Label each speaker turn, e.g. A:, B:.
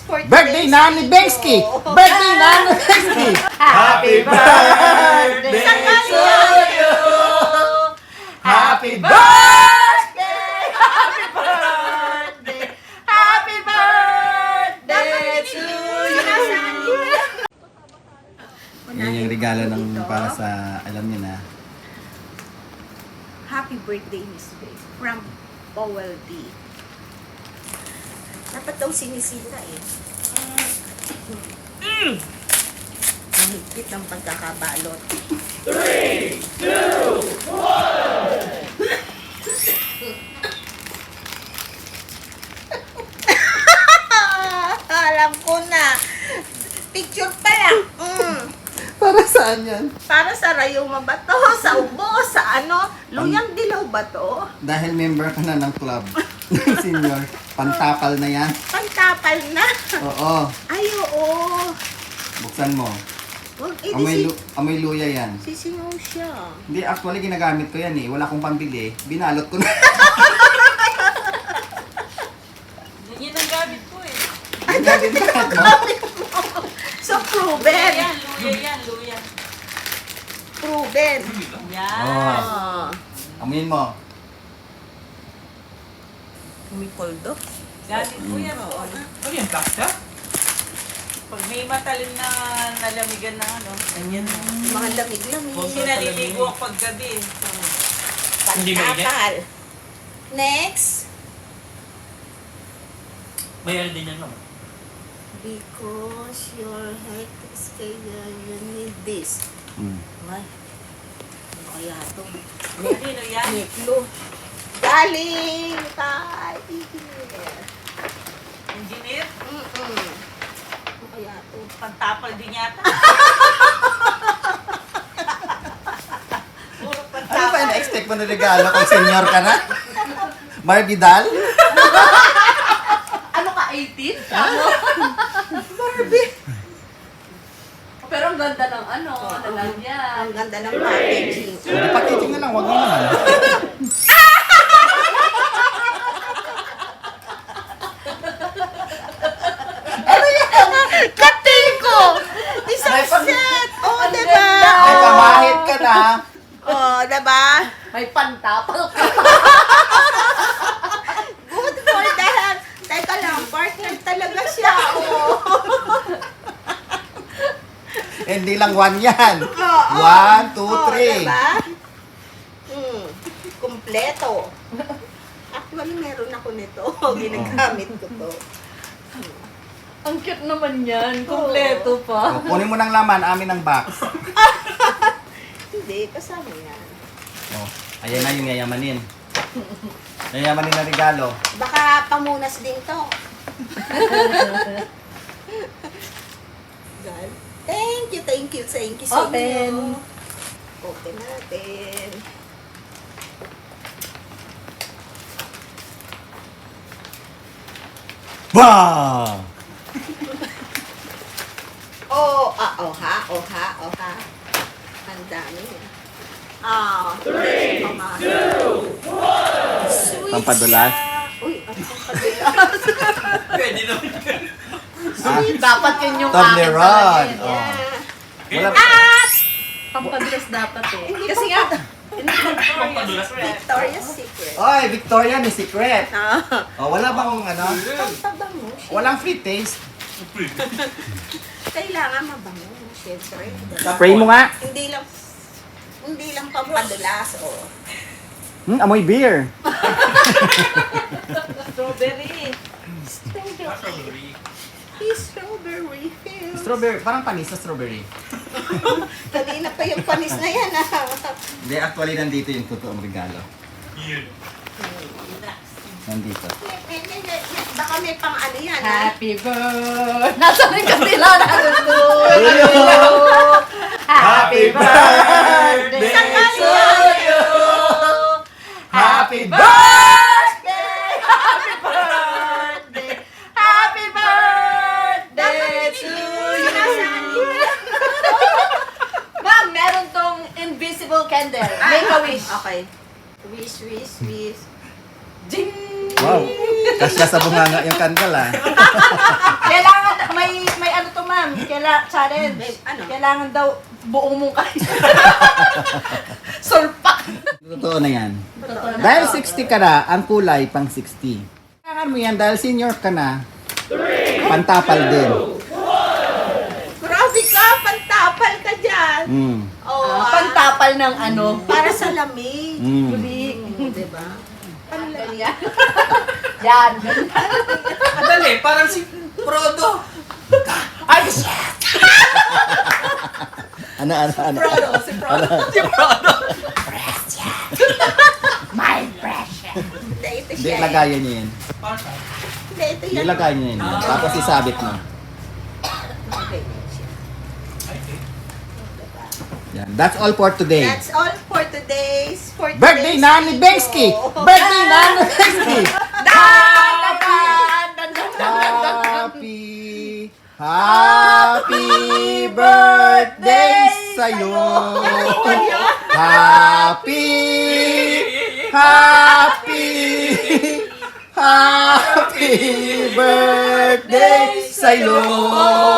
A: for
B: Birthday
A: today's
B: na ni
A: video.
B: Bengsky! Birthday na ni Bengsky!
C: Happy birthday
A: Sa
C: to you!
B: Happy
A: birthday!
C: Happy birthday! Happy birthday to you!
B: Yan yung regalo ng para sa, alam niyo na.
A: Happy birthday, Miss Faye. From Powell D. Dapat daw sinisita eh. Ang higpit ng pagkakabalot.
C: 3, 2, 1!
A: Alam ko na. Picture pa lang.
B: Para saan yan?
A: Para sa rayuma ba to? Sa ubo? Sa ano? Luyang dilaw ba to?
B: Dahil member ka na ng club. Senior. Pantapal na yan.
A: Pantapal na.
B: Oo.
A: Ay, oo.
B: Buksan mo.
A: Huwag
B: Amoy luya yan.
A: sisingaw siya.
B: Hindi, actually ginagamit ko yan eh. Wala akong pambili. Binalot ko na.
C: Yan ang gamit ko eh.
B: Ginamit mo.
A: So, proven.
C: Yan, luya yan, luya.
A: Proven.
C: Yan.
B: Oh.
A: Oh.
B: Amoyin mo.
A: Umipoldo.
C: Gamit ko yan.
D: Ano yan, plastic?
C: Pag may matalim na nalamigan na ano, ganyan.
A: Mga lamig-lamig.
C: Kasi naliligo ako paggabi.
D: Hindi mainit?
A: Pantapal. Next.
D: May ano din yan, no?
A: Because your head is kaya you need this. Ay. Ano kaya ito?
C: Kanino yan?
A: Niklo. Galing kay engineer.
C: Engineer?
A: Ano kaya ito?
C: Pantapal din yata. Puro
B: Ano pa
C: pantapal.
B: yung na-expect mo na regalo kung senior ka na? Barbidal?
E: Ano ka, 18?
A: Barbie.
E: Pero ang ganda ng ano, lalagyan.
A: Ang ganda ng packaging.
B: Hindi, packaging na lang. Huwag mo naman.
A: Kating ko! Isang
B: May pang-
A: set! Oh,
E: Ang
A: diba?
E: ganda.
B: May pamahit ka na.
A: Oh, diba?
E: May pantapal ka.
A: Good for that. Teka lang, partner talaga siya. Oh.
B: Hindi lang one yan.
A: Oo.
B: 1, 2, 3.
A: Diba? Kompleto. Actually, meron ako nito. Ginagamit ko to.
E: Ang cute naman yan. Kompleto pa.
B: Kunin mo ng laman, amin ang box.
A: Hindi, kasama yan.
B: Oh, ayan na yung yayamanin. Yayamanin na regalo.
A: Baka pamunas din to. God. Thank you sa
E: Open.
A: inyo. Open natin.
B: Bah!
A: Oh ha. Ang dami. 3, 2, 1.
B: Pampadulas?
A: Uy, ang pampadulas.
D: Pwede naman yan.
E: Dapat yun yung
B: Toblerone.
E: akin.
B: Oh.
E: Yeah.
B: Wala,
E: Pampadulas dapat eh. Kasi nga,
D: Pampadulas.
A: Victoria's Secret.
B: Oy, Victoria ni Secret.
A: Ah,
B: Oh, wala bang ano?
A: pampabango.
B: Walang free taste.
A: Kailangan mabango, syempre.
B: Spray mo nga.
A: Hindi lang pampadulas, oh.
B: Amoy beer.
C: Strawberry.
A: Strawberry. Strawberry hills.
B: Strawberry, parang panis sa strawberry.
A: Kanina pa yung panis na yan, ah.
B: Hindi, actually nandito yung totoong regalo.
D: Yun.
B: Nandito.
A: Baka may pang ano yan, ha?
E: happy birthday. Nasaan yung kasila na gusto?
B: Happy birthday
A: to
B: you! Happy birthday!
E: Happy birthday! Happy birthday to you! Ma'am, meron tong invisible candle. Make a wish.
A: Okay. Wish.
E: Ding!
B: Wow, kasya sa bunganga yung kandal ah.
E: Kailangan challenge.
A: Ano?
E: Kailangan daw buong mong kain. Sulpak.
B: Totoo na yan.
E: Totoo na.
B: Dahil 60 ka na, ang kulay pang 60. Kailangan mo yan dahil senior ka na, pantapal din.
A: Grabe ka, pantapal ka dyan.
B: Mm.
A: Oh,
E: Pantapal ng ano.
A: para sa lamig.
B: Mm.
E: Bulik.
A: Diba?
E: Ano lang yan? Yan.
D: Madali, parang si Frodo.
E: Ay, shit!
B: Ano?
E: Frodo, si Frodo.
D: Si Frodo.
E: My precious.
A: Hindi, ito
B: Hindi,
A: siya.
B: lagayan niyo yan.
D: Parang sa-
A: Hindi, ito
B: Hindi,
A: yan.
B: lagayan niyo yan. Tapos isabit mo.
A: Okay, yan siya.
B: Yan. That's all for today.
A: That's all for today's
B: Birthday na ni Bengsky! Birthday na ni Bengsky! Happy birthday sa'yo! Happy birthday sa'yo!